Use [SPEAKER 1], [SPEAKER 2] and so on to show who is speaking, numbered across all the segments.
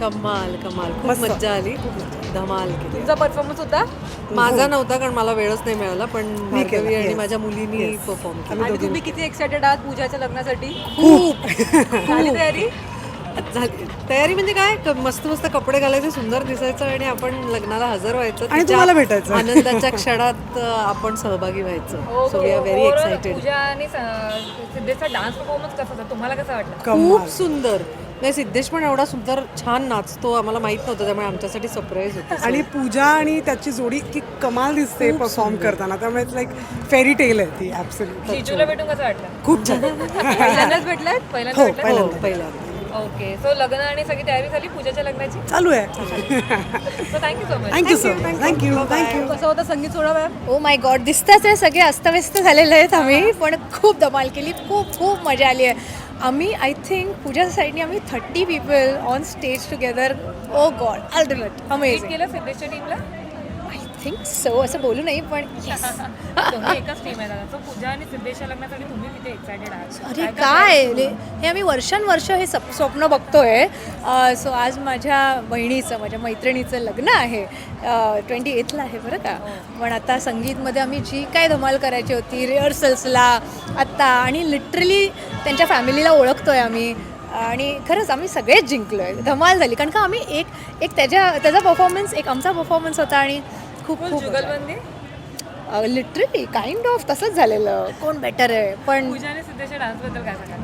[SPEAKER 1] कमाल कमाल, खूप
[SPEAKER 2] मस्त.
[SPEAKER 1] मज्जा आली, धमाल केली.
[SPEAKER 3] तुमचा परफॉर्मन्स होता
[SPEAKER 1] माझा नव्हता कारण मला वेळच नाही मिळाला, पण
[SPEAKER 2] मी केला,
[SPEAKER 1] भार्गवी आणि
[SPEAKER 2] yes.
[SPEAKER 1] माझ्या मुलीनी
[SPEAKER 2] Yes.
[SPEAKER 1] परफॉर्म केला.
[SPEAKER 2] आम्ही
[SPEAKER 3] आणि
[SPEAKER 2] दोघी
[SPEAKER 3] तुम्ही किती एक्सायटेड आहात पूजाच्या लग्नासाठी?
[SPEAKER 2] खूप
[SPEAKER 3] झाली तयारी?
[SPEAKER 1] झाली तयारी म्हणजे काय, मस्त मस्त कपडे घालायचे, सुंदर दिसायचं आणि आपण लग्नाला हजर व्हायचं.
[SPEAKER 2] आणि
[SPEAKER 1] तिच्या
[SPEAKER 2] तुम्हाला भेटायचं.
[SPEAKER 1] आनंदाच्या क्षणात आपण सहभागी व्हायचं. So we are very
[SPEAKER 3] Overall
[SPEAKER 1] excited.
[SPEAKER 3] Pooja आणि सिद्धेशचा डान्स परफॉर्मन्स कसा होता, तुम्हाला कसा वाटला?
[SPEAKER 1] खूप सुंदर. नाही, सिद्धेश पण एवढा सुंदर छान नाचतो, आम्हाला माहित नव्हतं, त्यामुळे आमच्यासाठी सरप्राईज होतं.
[SPEAKER 2] आणि पूजा आणि त्याची जोडी की कमाल दिसते परफॉर्म करताना, त्यामुळे लाईक फेरी टेल आहे ती. ॲब्सोल्युटली
[SPEAKER 3] जिजूला भेटून कसं वाटलं?
[SPEAKER 2] खूप छान.
[SPEAKER 3] पहिल्यांदाच भेटलाय? पहिल्यांदा
[SPEAKER 2] हो,
[SPEAKER 3] भेटलाय?
[SPEAKER 2] पहिल्यांदा.
[SPEAKER 1] पहिल्यांदा.
[SPEAKER 3] ओके, सो लग्न आणि सगळी तयारी झाली पूजाच्या लग्नाची?
[SPEAKER 2] चालू आहे.
[SPEAKER 3] So thank you so much.
[SPEAKER 2] Thank you so much. Thank you.
[SPEAKER 3] कसं होतं संगीत सोहळा मॅम?
[SPEAKER 4] ओ माय गॉड, दिसतंच आहे सगळे अस्तव्यस्त झालेले आहेत आम्ही, पण खूप धमाल केली, खूप खूप मजा आली आहे. आम्ही आय थिंक पूजाच्या साईडने आम्ही 30 people on stage together. Oh god, ultimate,
[SPEAKER 3] meet
[SPEAKER 4] amazing.
[SPEAKER 3] केलं सिद्धेशच्या टीमला?
[SPEAKER 4] आय थिंक सो, असं बोलू नाही पण yes.
[SPEAKER 3] तुम्ही एकच टीम आहे दादा. सो पूजा आणि सिद्धेशच्या लग्नासाठी तुम्ही किती एक्सायटेड आहात?
[SPEAKER 4] अरे काय हे आम्ही वर्षानुवर्ष हे स्वप्न बघतोय. सो आज माझ्या बहिणीचं, माझ्या मैत्रिणीचं लग्न आहे, 28ला आहे बरं का. पण आता संगीतमध्ये आम्ही जी काय धमाल करायची होती रिहर्सल्सला आत्ता, आणि लिटरली त्यांच्या फॅमिलीला ओळखतोय आम्ही, आणि खरंच आम्ही सगळेच जिंकलो आहे. धमाल झाली कारण का आम्ही एक त्याचा परफॉर्मन्स, एक आमचा परफॉर्मन्स होता, आणि खूप खूप
[SPEAKER 3] जुगलबंदी?
[SPEAKER 4] लिटरली काइंड ऑफ तसंच झालेलं, कोण बेटर आहे. पण
[SPEAKER 3] पूजा आणि सिद्धेशच्या डान्सबद्दल काय सांगाल?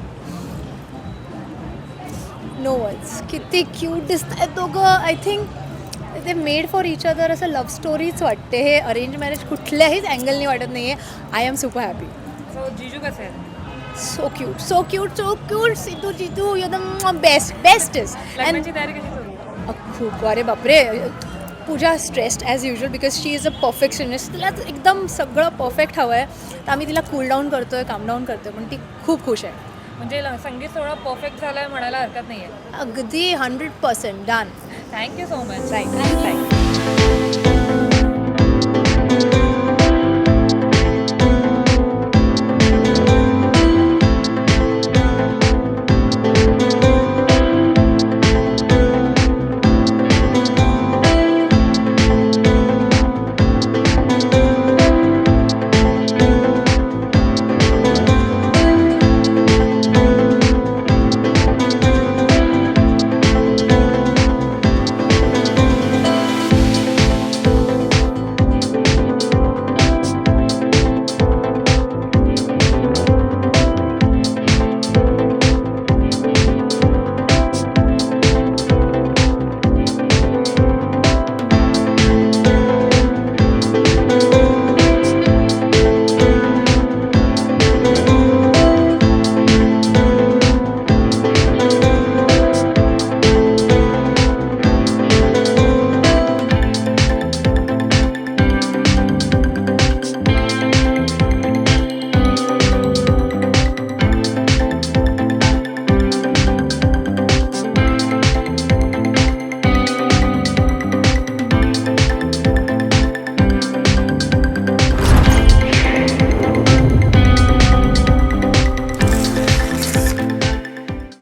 [SPEAKER 4] No words. किती क्यूट दिसत आहेत दोघं. आय थिंक ते मेड फॉर इच अदर, असं लव्ह स्टोरीच वाटते. हे अरेंज मॅरेज कुठल्याहीच अँगलनी वाटत नाही आहे. I am super happy.
[SPEAKER 3] So जिजू कसे आहेत?
[SPEAKER 4] So cute, so cute, so cute. Siddhu जिजू एकदम बेस्टेस्ट. अँड
[SPEAKER 3] लग्नाची तयारी कशी करू?
[SPEAKER 4] खूप, अरे बापरे. Pooja stressed as usual because she is a perfectionist. तिला एकदम सगळं परफेक्ट हवं आहे, तर आम्ही तिला कूल डाऊन करतोय, काम डाऊन करतोय, पण ती खूप खुश आहे.
[SPEAKER 3] म्हणजे संगीत सोहळा परफेक्ट झालाय म्हणायला हरकत नाहीये.
[SPEAKER 4] अगदी 100% done.
[SPEAKER 3] Thank you so much.
[SPEAKER 4] Right.